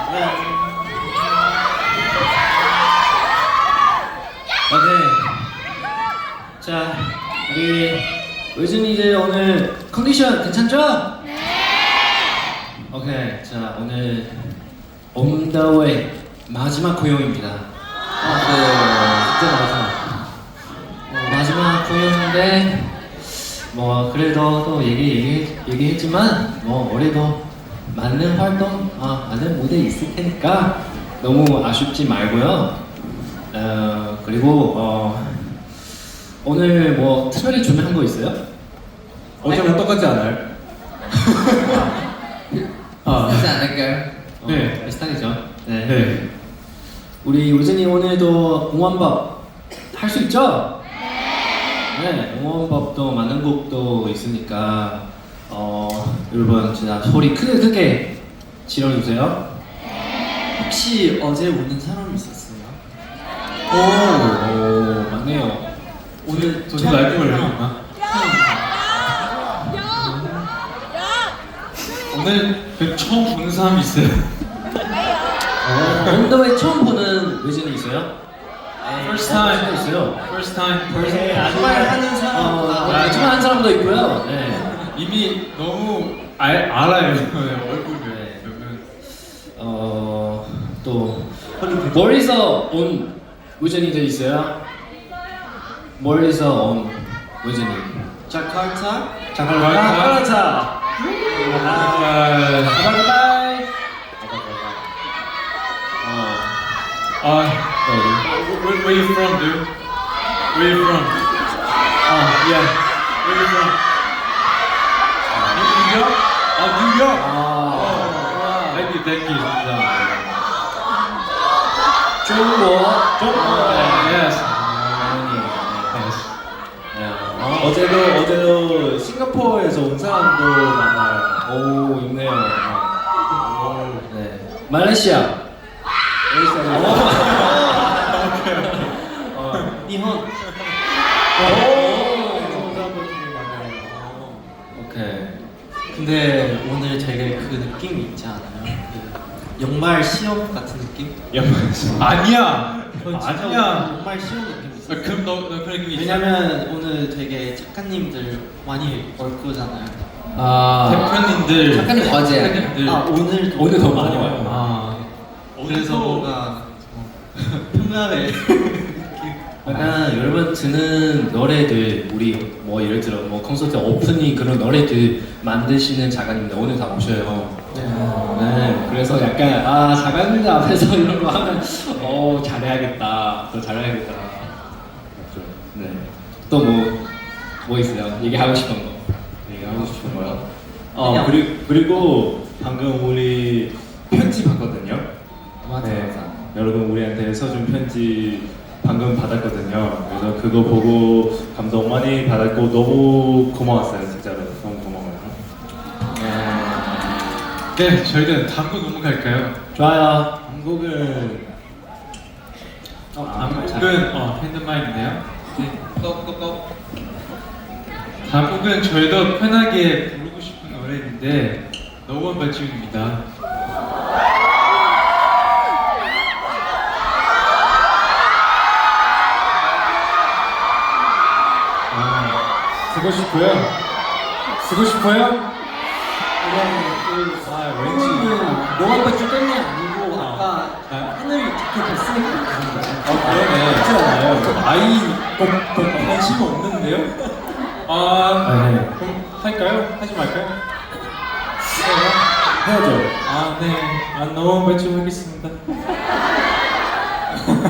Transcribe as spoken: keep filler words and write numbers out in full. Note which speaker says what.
Speaker 1: 오케이. 자, 우리 의준이 이제 오늘 컨디션 괜찮죠? 네. 오케이. 자, 오늘 On the way 마지막 공연입니다. 아, 네, 진짜 마지막. 어, 마지막 공연인데 뭐 그래도 또 얘기 얘기 얘기했지만 뭐 올해도 많은 활동, 아, 많은 무대 있을 테니까 너무 아쉽지 말고요. 어, 그리고 어, 오늘 뭐 특별히 준비한 거 있어요?
Speaker 2: 어제랑 똑같지 않아요?
Speaker 1: 아,
Speaker 3: 하지 않을까요?
Speaker 1: 어,
Speaker 2: 네.
Speaker 1: 비슷하겠죠. 네.
Speaker 2: 네.
Speaker 1: 우리 우진이 오늘도 응원법 할 수 있죠? 네. 응원법도 많은 곡도 있으니까 어, 여러분 진짜 소리 크게 크게 질러주세요.
Speaker 3: 혹시 어제 우는 사람이 있었어요?
Speaker 1: 오, 오 맞네요.
Speaker 3: 오늘
Speaker 2: 저도 알고 걸려있나? 오늘 그 처음 보는 사람이 있어요.
Speaker 1: 언더웨이 처음 보는 외진이 있어요?
Speaker 2: First time.
Speaker 1: 있어요.
Speaker 2: First time.
Speaker 1: 네,
Speaker 3: 정말 하는 사람.
Speaker 1: 어, 아줌마 한 사람도 있고요. 네.
Speaker 2: 이미 너무 알, 알아요. 얼굴을.
Speaker 1: 네. 어, 또 멀리서 온 외진이들 있어요? 멀리서 온 외진이.
Speaker 3: 자카르타?
Speaker 1: 자카르타.
Speaker 2: 아,
Speaker 1: 바이바이. 어,
Speaker 2: 아,
Speaker 1: 어디?
Speaker 2: where, where you from, dude? Where you from?
Speaker 1: 아,
Speaker 2: Yeah. Where you from? New York? 아, New York.
Speaker 1: 아,
Speaker 2: Thank you, thank you. 진짜.
Speaker 1: 중국, 중국.
Speaker 2: Yes.
Speaker 1: 네.
Speaker 4: 어제도 어제도 싱가포르에서 온 사람도 만나요.
Speaker 1: 오, 있네요. 네. 말레이시아.
Speaker 4: 어,
Speaker 3: 니혼.
Speaker 4: 온 사람도 되게 많아요.
Speaker 1: 오케이.
Speaker 3: 근데 오늘 되게 그 느낌이 있지 않아요? 그 연말 시험 같은 느낌?
Speaker 2: 아니야.
Speaker 3: 전 진짜
Speaker 2: 아니야.
Speaker 3: 연말 시험 느낌
Speaker 2: 아,
Speaker 3: 있어요.
Speaker 2: 그럼 너, 너 그런 게 있어?
Speaker 3: 왜냐면 오늘 되게 작가님들 많이 올 거잖아요.
Speaker 1: 아,
Speaker 2: 대표님들.
Speaker 1: 작가님 어제.
Speaker 2: 대표님들.
Speaker 3: 아 오늘
Speaker 1: 오늘 더 많이 와요.
Speaker 2: 아.
Speaker 3: 그래서 뭔가 어, 평날에
Speaker 1: 약간 여러분 듣는 노래들 우리 뭐 예를 들어 뭐 콘서트 오프닝 그런 노래들 만드시는 작가님들 오늘 다 오셔요. 네. 그래서 약간 아 작가님들 앞에서 이런 거 하면 어 잘해야겠다. 더 잘해야겠다. 맞죠. 네. 또 뭐 뭐 있어요? 얘기하고 싶은 거.
Speaker 4: 얘기하고 싶은 거요.
Speaker 1: 어,
Speaker 4: 어 그리고 그리고 방금 우리 편지 받거든요.
Speaker 3: 맞아
Speaker 4: 네.
Speaker 3: 맞아.
Speaker 4: 여러분 우리한테 써준 편지 방금 받았거든요. 그래서 그거 보고 감동 많이 받았고 너무 고마웠어요. 진짜로 너무 고마워요.
Speaker 2: 네, 저희는 다음 곡 넘어갈까요?
Speaker 1: 좋아요.
Speaker 4: 한국은
Speaker 3: 어,
Speaker 4: 아,
Speaker 2: 다음 곡은 어, 핸드마인인데요. 네.
Speaker 3: 꺼꺼꺼.
Speaker 2: 다음 곡은 저희도 편하게 부르고 싶은 노래인데 너무 발칙입니다.
Speaker 4: 쓰고 싶어요. 쓰고 싶어요? 아 왠지
Speaker 3: 너가 빠질 때문이 아니고 아까 하늘이 이렇게 됐으니까 그런 거야.
Speaker 4: 아 그러네. 그렇지 않아요. 아이 꼭, 꼭 관심 없는데요?
Speaker 2: 아,
Speaker 4: 아, 네.
Speaker 2: 그럼 할까요? 하지 말까요?
Speaker 4: 해야죠.
Speaker 2: 아, 네. 아, 너무 발칙하겠습니다.